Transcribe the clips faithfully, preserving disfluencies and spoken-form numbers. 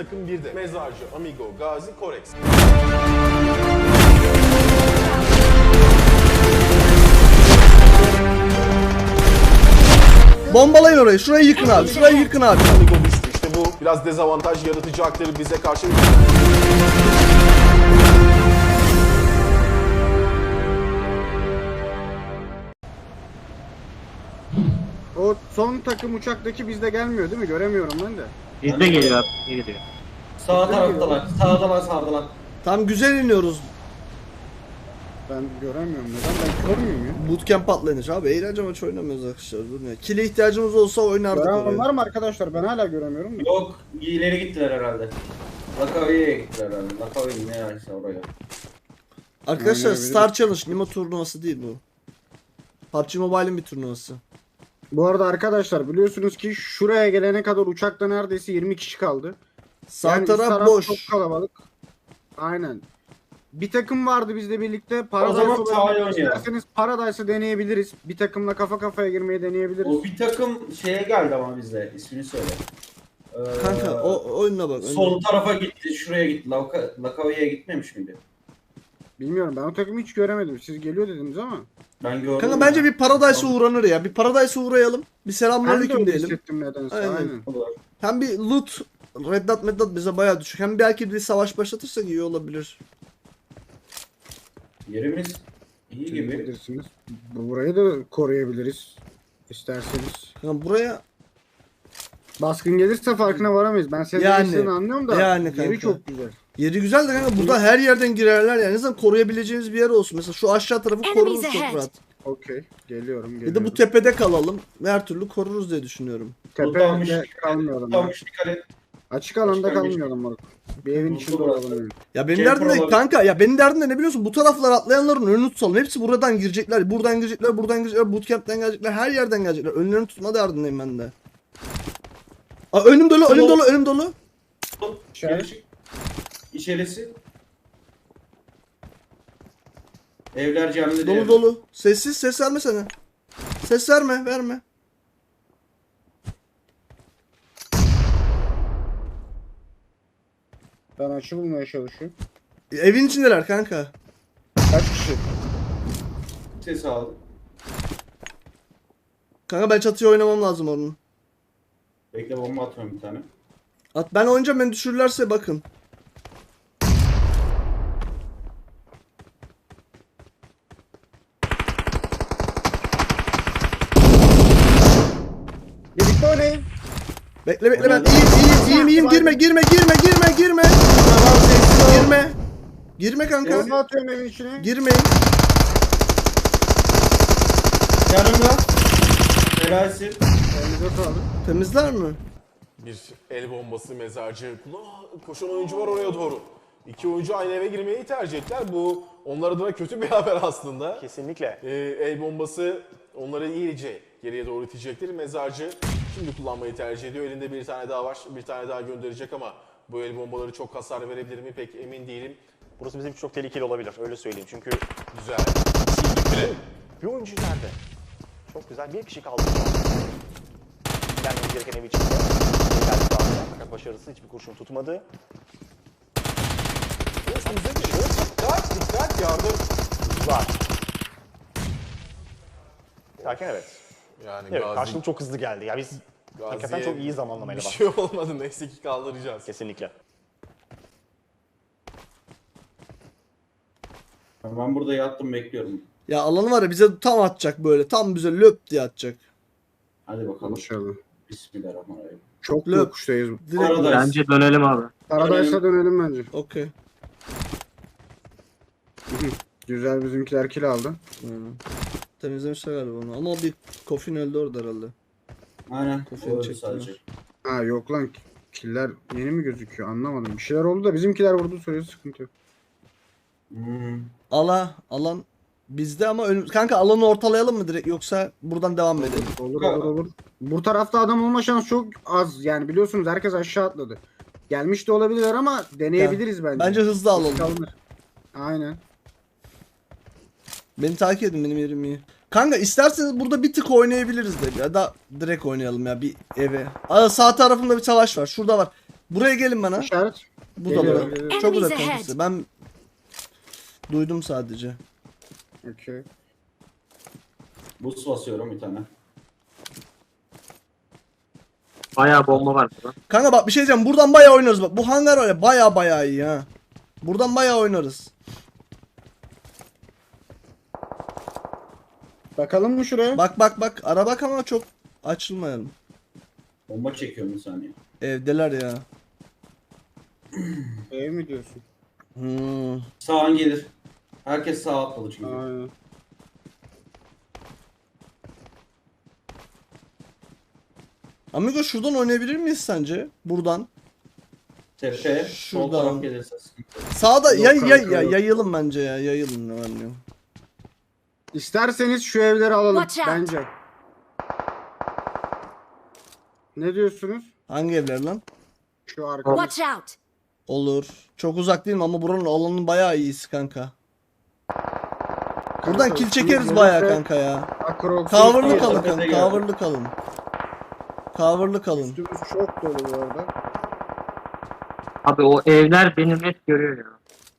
takım birde. Mezarcı, Amigo, Gazi, Korex. Bombalayın orayı. Şurayı yıkın abi. Şurayı yıkın abi. Amigo düştü. İşte bu biraz dezavantaj yaratacaktır bize karşı. O son takım uçaktaki bizde gelmiyor değil mi? Göremiyorum ben de. Bizde geliyor abi. İyi gidiyor. Sağ taraftalar. Sağdalar, sağdalar. Tam güzel iniyoruz. Ben göremiyorum. Neden? Ben kör müyüm ya? Bootcamp atlanır abi. Eğlence maçı oynamıyoruz arkadaşlar. Dur ya. Kill'e ihtiyacımız olsa oynardık Gören orayı. var mı arkadaşlar? Ben hala göremiyorum da. Yok, ileri gittiler herhalde. Lakavi'ye gittiler herhalde. Lakavi ne yerse oraya. Arkadaşlar Oynayabiliriz. Star Challenge Nimo turnuvası değil bu. P U B G Mobile'in bir turnuvası. Bu arada arkadaşlar biliyorsunuz ki şuraya gelene kadar uçakta neredeyse yirmi kişi kaldı. Sağ Yani üst taraf taraf boş. çok kalabalık. Aynen. Bir takım vardı bizde birlikte. zaman Paradise sahaya olarak oynayalım. isterseniz Paradise'ı deneyebiliriz. Bir takımla kafa kafaya girmeyi deneyebiliriz. O bir takım şeye geldi ama bizde. İsmini söyle. Ee, Kanka o oyununa bak. Sol oyununa. tarafa gitti, şuraya gitti. Laka, Lakavi'ye gitmemiş miydi? Bilmiyorum, ben o takımı hiç göremedim. Siz geliyor dediniz ama. Ben gördüm. Kanka ya. bence bir Paradise'a uğranır ya. Bir Paradise'a uğrayalım. Bir Ben de selamünaleyküm öyle diyelim. hissettim nedense. Aynen. Aynen. Olur. Hem bir loot, Red Dot Red Dot bize bayağı düşük. Hem belki bir savaş başlatırsak iyi olabilir. Yerimiz iyi Siz gibi. bilirsiniz. Bu- Burayı da koruyabiliriz. İsterseniz. Kanka buraya Baskın gelirse farkına varamayız. Ben senin Yani, yani, anlıyorum da yani yeri kanka. çok güzel. yeri güzel de kanka burada her yerden girerler yani. En azından koruyabileceğimiz bir yer olsun. Mesela şu aşağı tarafı koruruz çok rahat. Okey. Geliyorum Bir geliyorum. de bu tepede kalalım. Her türlü koruruz diye düşünüyorum. Tutanmış, Tepede kalmayalım. ya. tutanmış dikkat et. Açık alanda Başka bir- kalmayalım moruk. Bir evin içinde Burası. olalım. yani. Ya benim Camper derdim de olabilir. kanka ya benim derdim de ne biliyorsun? Bu taraflar atlayanların önünü tutalım. Hepsi buradan girecekler. Buradan girecekler, buradan girecekler, bootcamp'ten gelecekler. Her yerden gelecekler. Önlerini tutma derdindeyim ben de. Aa, önüm dolu, önüm dolu, önüm dolu. İşaret. İçerisi. Evler camide Dolu değil. dolu. Sessiz, ses verme sana. Ses verme, verme. Ben açı bulmaya çalışıyorum. E, Evin içindeler kanka. Kaç kişi? Ses aldım. Kanka ben çatıya oynamam lazım onun. Bekle, bomba atıyorum bir tane. At ben oynayacağım, beni düşürürlerse bakın. Birlikte oynayın. Bekle bekle ben iyiyim iyiyim iyiyim iyiyim girme girme girme girme girme. Girme. Girme kanka. Bomba atıyorum evin içine. Girmeyin. Yanımda. Helalsin. Elinize sağlık. Temizler mi? Bir el bombası mezarcı. Aa, koşan oyuncu var oraya doğru. İki oyuncu aynı eve girmeyi tercih ettiler. Bu onlar adına kötü bir haber aslında. Kesinlikle. Ee, el bombası onları iyice geriye doğru itecektir. Mezarcı şimdi kullanmayı tercih ediyor. Elinde bir tane daha var. Bir tane daha gönderecek ama bu el bombaları çok hasar verebilir mi pek emin değilim. Burası bizim için çok tehlikeli olabilir. Öyle söyleyeyim. Çünkü Güzel. Sildik bile. bir oyuncu nerede? Çok güzel. Bir kişi kaldı. Gelmemiz gereken ev içinde. Geldi daha sonra. Fakat başarısız, hiçbir kurşun tutmadı. Üstümüze geliyor. Dikkat dikkat yardım. Var. Derken evet. Yani Evet, Gazi, karşılık çok hızlı geldi. Ya biz hakikaten Gazi'ye çok iyi zamanlamayla bir baktık. şey olmadı. Neyse ki kaldıracağız. Kesinlikle. Ben burada yattım, bekliyorum. Ya alanı var ya bize tam atacak böyle. Tam bize löp diye atacak. Hadi bakalım. İnşallah. Bismillahirrahmanirrahim. Çok Löp. yokuştayız. Direkt. Paradise. Bence dönelim abi. Paradise'a dönelim bence. Okey. Güzel, bizimkiler kill aldı. Aynen. Temizlemişler galiba onu. Ama o bir Kofin öldü orada herhalde. Aynen. Kafayı O öldü çektiler. sadece. Ha yok lan, killer yeni mi gözüküyor anlamadım. Bir şeyler oldu da bizimkiler vurdu, süresi sıkıntı yok. Hmm. Ala, alan bizde ama ön... kanka alanı ortalayalım mı direkt yoksa buradan devam mı edelim? Olur olur olur. Bu tarafta adam olma şansı çok az, yani biliyorsunuz herkes aşağı atladı. Gelmiş de olabilirler ama deneyebiliriz bence. Bence hızlı alalım. Risk alınır. Aynen. Beni takip edin, benim yerim iyi. Kanka isterseniz burada bir tık oynayabiliriz de ya da direkt oynayalım ya bir eve. Aa, sağ tarafında bir savaş var. Şurada var. Buraya gelin bana. İşaret. Bu da Geliyorum, bura. geliyorum. Çok uzak Enemies ahead. kankası. Ben duydum sadece. Okey. Boost basıyorum bir tane. Bayağı bomba var burada. Kanka bak bir şey diyeceğim. Buradan bayağı oynarız bak. Bu hangar var ya bayağı bayağı iyi ha. Buradan bayağı oynarız. Bakalım mı şuraya? Bak bak bak. Ara bak ama çok açılmayalım. Bomba çekiyorum bir saniye. Evdeler ya. Ev mi diyorsun? Hmm. Sağın gelir. Herkes sağa atladı çünkü. Aynen. Amigo şuradan oynayabilir miyiz sence? Buradan. Tepe, sol Şuradan. taraf gelirse sıkıntı. Sağda Yok yay, yay, kanka, yay, yok. yayılın bence ya. Yayılın ne var ne yok. İsterseniz şu evleri alalım Watch out. bence. Ne diyorsunuz? Hangi evler lan? Şu arkada. Watch out! Olur. Çok uzak değil mi ama buranın alanı bayağı iyisi kanka. Buradan kill çekeriz bayağı kanka ya. Cover'lı Tamam, kalın tepede kanka. geldi. Cover'lı kalın. Cover'lı kalın. Üstümüz çok dolu bu arada. Abi o evler benim net görüyor ya.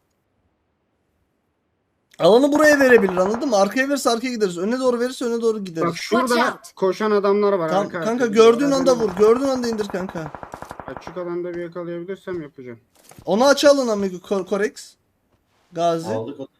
Alanı buraya verebilir anladın mı? Arkaya verirse arkaya gideriz. Öne doğru verirse öne doğru gideriz. Bak şurada Watch out. koşan adamlar var. Tam, arka kanka arkada. gördüğün anda Adamı vur. Gördüğün anda indir kanka. Açık alanda bir yakalayabilirsem yapacağım. Onu aç alın amigo Kor- Korex. Gazi. Aldık o.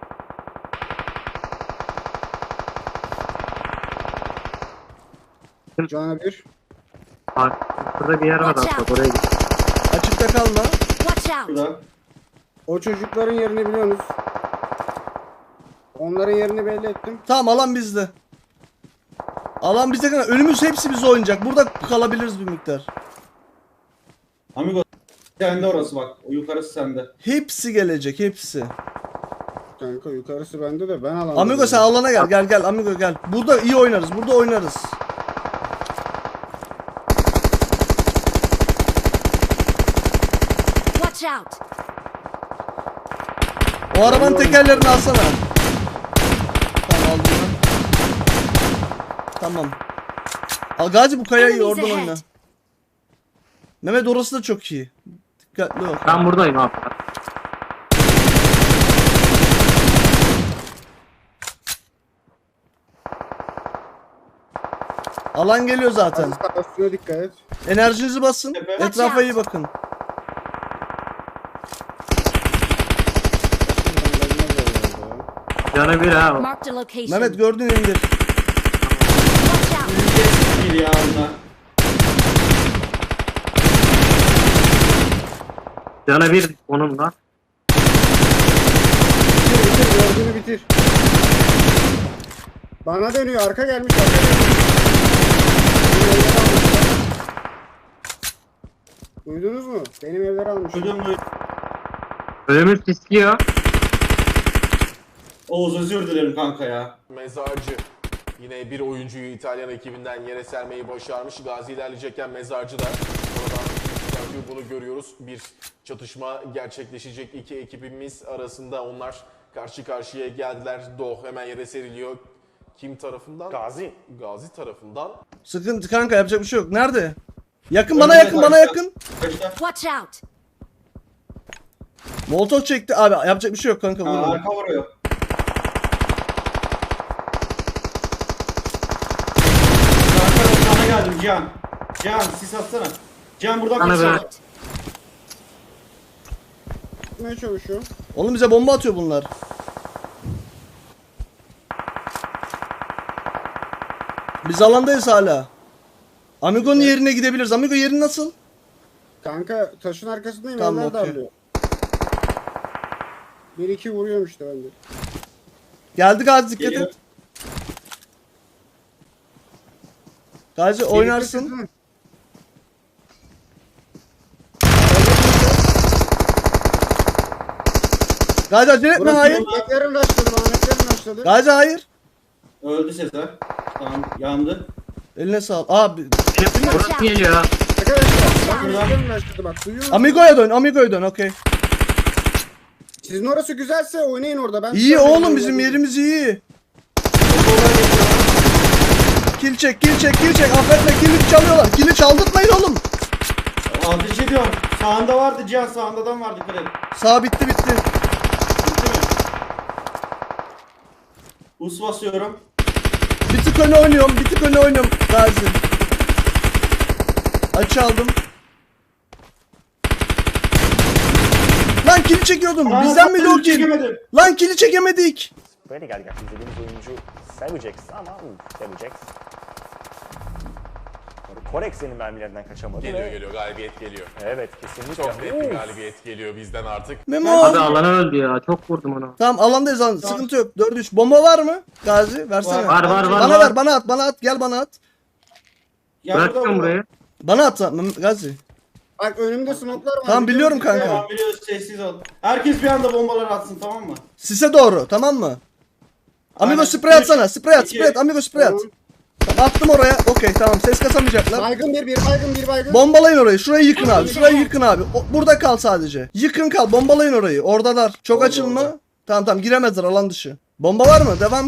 Cana bir. Bak burada bir yer var Watch hatta out. oraya git. Açıkta kalma. Watch out! Şurada. O çocukların yerini biliyorsunuz. Onların yerini belli ettim. Tamam alan bizde. Alan bizde kanka. Önümüz hepsi bize oynayacak. Burada kalabiliriz bir miktar. Amigo sende orası bak. O yukarısı sende. Hepsi gelecek hepsi. Kanka yukarısı bende de ben alandayım. Amigo sen alana gel. Gel gel Amigo gel. Burada iyi oynarız. Burada oynarız. Watch out! O arabanın tekerlerini alsana. Tamam aldım ben. Tamam. Al Gazi bu kayayı Enemies oradan ahead. oyna. Mehmet orası da çok iyi. Dikkatli ol. Ben buradayım abi. Alan geliyor zaten. Aziz sağ üstüne dikkat et. Enerjinizi basın. Tepe. Etrafa iyi bakın. Canı bir ha. Marked a location. Mehmet gördün indir. Watch out! Bir ya onlar. Canı bir onun da. Bitir bitir gördüğünü bitir. Bana dönüyor arka gelmiş arka gelmiş. Benim evleri almışlar. Duydunuz mu? Benim evleri almış. Duydum duydum. Önümüz istiyor. Oğuz özür dilerim kanka ya. Mezarcı yine bir oyuncuyu İtalyan ekibinden yere sermeyi başarmış. Gazi ilerleyecekken Mezarcı da oradan çıkartıyor. Bunu görüyoruz. Bir çatışma gerçekleşecek iki ekibimiz arasında. Onlar karşı karşıya geldiler. Doh hemen yere seriliyor. Kim tarafından? Gazi. Gazi tarafından. Sıkıntı kanka yapacak bir şey yok. Nerede? Yakın bana yakın bana yakın. Kaçta? Watch out! Molotov çekti. Abi yapacak bir şey yok kanka. Aa, Vurun. arka vuruyor. Arka sana geldim Can. Can sis atsana. Can buradan Bana kaçsana. ver. Gitmeye çalışıyor. Oğlum bize bomba atıyor bunlar. Biz alandayız hala. Amigo'nun yerine gidebiliriz. Amigo yerin nasıl? Kanka taşın arkasındayım Tamam, eller okey. darlıyor. Bir iki vuruyorum işte ben de. Geldi Gazi dikkat Geliyor. et. Gazi oynarsın. Birlikte Gazi acele etme Burası hayır. Ahmetlerin başladı, Ahmetlerin başladı. Gazi hayır. Öldü Sezer. Tamam yandı. Eline sağ Abi. Burası geliyor. Arkadaşlar, Ahmetlerin başladı bak duyuyor musun? Amigo'ya dön. Amigo'ya dön. Okey. Sizin orası güzelse oynayın orada. Ben İyi oğlum bizim yerimiz iyi. Kill çek, kill çek, kill çek. Affetme kill'i çalıyorlar. Kill'i çaldırtmayın oğlum. Ateş ediyorum. Sağında vardı Cihan, sağındadan vardı kredi. Sağ bitti bitti. Bitti mi? Us basıyorum. Bir tık öne oynuyorum. Bir tık öne oynuyorum. Gazi. Açı aldım. Lan kili çekiyordum. Aa, Bizden miydi o kill? çekemedim. Lan kili çekemedik. Böyle geldik. İzlediğimiz oyuncu Savagex ama uf, Savagex. Korex senin mermilerinden kaçamadı. Geliyor ve- geliyor galibiyet geliyor. Evet kesinlikle. Çok net bir Uf. galibiyet geliyor bizden artık. Memo. Abi alana öldü ya. Çok vurdum ona. Tamam alandayız lan. Sıkıntı yok. dört üç. Bomba var mı? Gazi versene. Var, Var var var. Bana var. ver, bana at, bana at. Gel bana at. Ya burada, Bırakıyorum burada. burayı. Bana at Mem- Gazi. Bak önümde smoke'lar var. Tamam biliyorum kanka. Tamam biliyoruz, sessiz ol. Herkes bir anda bombalar atsın, tamam mı? Sise doğru, tamam mı? Amigo Aynen. sprey atsana. Sprey at, İki. sprey at. Amigo sprey at. Tamam, attım oraya. Okey tamam. Ses kasamayacaklar. Baygın bir, bir baygın, bir baygın. Bombalayın orayı. Şurayı yıkın abi. Şurayı yıkın abi. O- burada kal sadece. Yıkın kal. Bombalayın orayı. Oradalar. Çok Orada, açılma. orada. Tamam tamam giremezler alan dışı. Bomba var mı? Devam.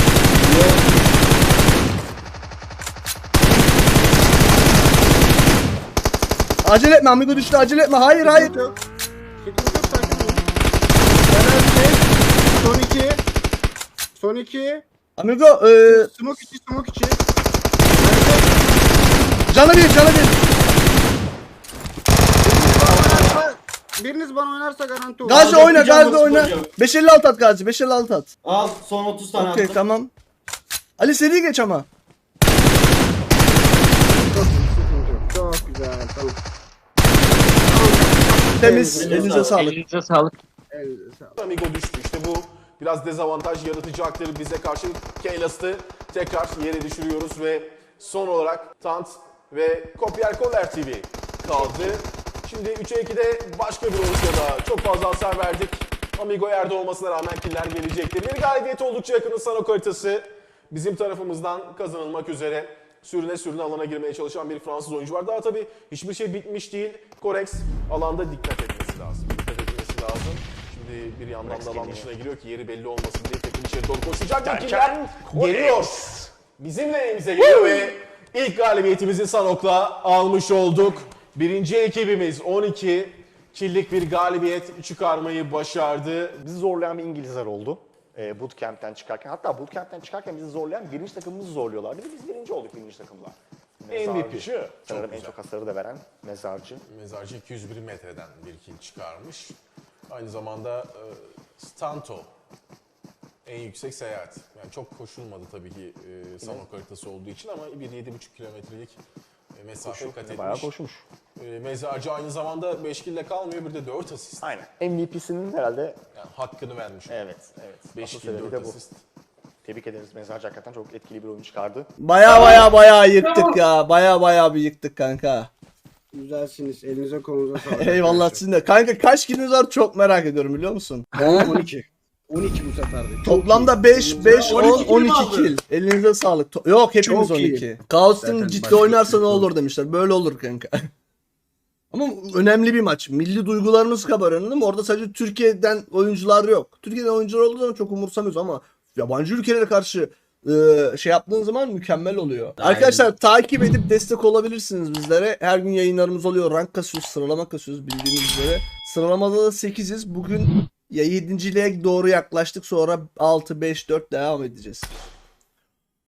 Acele etme Amigo düştü. Acele etme. Hayır hayır. Sıkıntı yok. Sıkıntı yok, sakin olun. Enerji. Son iki. Son iki. Amigo eee Smoke içi, smoke içi. canı bir canı bir. Biriniz bana oynarsa garanti olur. Gazi Aldım, oyna kucağıma Gazi oyna. sporcu. beş elli altı at Gazi. beş elli altı at. Al, son otuz tane Okey attım. tamam. Ali seri geç ama. Çok, sıkıntı yok. Çok güzel. Tamam. Temiz. Elinize Elinize sağlık. Elinize sağlık. Elinize sağlık. Amigo düştü. İşte bu biraz dezavantaj yaratacaktır bize karşı. Keylas'ı tekrar yere düşürüyoruz ve son olarak Tant ve Kopyer Koller T V kaldı. Şimdi üçe ikide başka bir oluşmada çok fazla hasar verdik. Amigo yerde olmasına rağmen killer gelecektir. Bir galibiyet oldukça yakın Sanok haritası bizim tarafımızdan kazanılmak üzere. Sürüne sürüne alana girmeye çalışan bir Fransız oyuncu var. Daha tabii hiçbir şey bitmiş değil. Korex alanda dikkat etmesi lazım. Dikkat etmesi lazım. Şimdi bir yandan da alan dışına giriyor ki yeri belli olmasın diye takım içeri doğru koşacak. Derken Killer geliyor. Bizim elimize geliyor ve ilk galibiyetimizi Sanok'la almış olduk. Birinci ekibimiz on iki killik bir galibiyet çıkarmayı başardı. Bizi zorlayan bir İngilizler oldu. E, bootcamp'ten çıkarken. Hatta bootcamp'ten çıkarken bizi zorlayan birinci takımımızı zorluyorlardı. Ve biz birinci olduk birinci takımla. M V P. Mezarcı. Sanırım en güzel. çok hasarı da veren Mezarcı. Mezarcı iki yüz bir metreden bir kill çıkarmış. Aynı zamanda e, Stanto en yüksek seyahat. Yani çok koşulmadı tabii ki e, Sanok haritası olduğu için ama bir yedi buçuk kilometrelik e, mesafe kat Bayağı etmiş. koşmuş. E, Mezarcı aynı zamanda beş kille kalmıyor, bir de dört asist. Aynen. M V P'sinin herhalde Yani hakkını vermiş. evet, evet. beş Asıl kill sebebi dört de bu. asist. Tebrik ederiz. Mezarcı hakikaten çok etkili bir oyun çıkardı. Baya baya baya yıktık ya. Baya baya bir yıktık kanka. Güzelsiniz. Elinize kolunuza sağlık. Eyvallah sizin de. Kanka kaç kiliniz var çok merak ediyorum biliyor musun? on iki. on iki bu sefer de. Çok Toplamda iyi. beş, beş, on, on iki kill on mi iki aldın? kill. Elinize sağlık. To- Yok hepimiz Çok on iyi. iki. Kaos'un Zaten ciddi başka oynarsa bir ne şey olur demişler. Böyle olur kanka. Ama önemli bir maç. Milli duygularımız kabarıyor anladın mı? Orada sadece Türkiye'den oyuncular yok. Türkiye'den oyuncular olduğu zaman çok umursamıyoruz ama yabancı ülkelere karşı e, şey yaptığın zaman mükemmel oluyor. Arkadaşlar takip edip destek olabilirsiniz bizlere. Her gün yayınlarımız oluyor. Rank kasıyoruz, sıralama kasıyoruz bildiğiniz üzere. Sıralamada da sekiziz. Bugün ya yedinciliğe doğru yaklaştık. Sonra altı, beş, dört devam edeceğiz.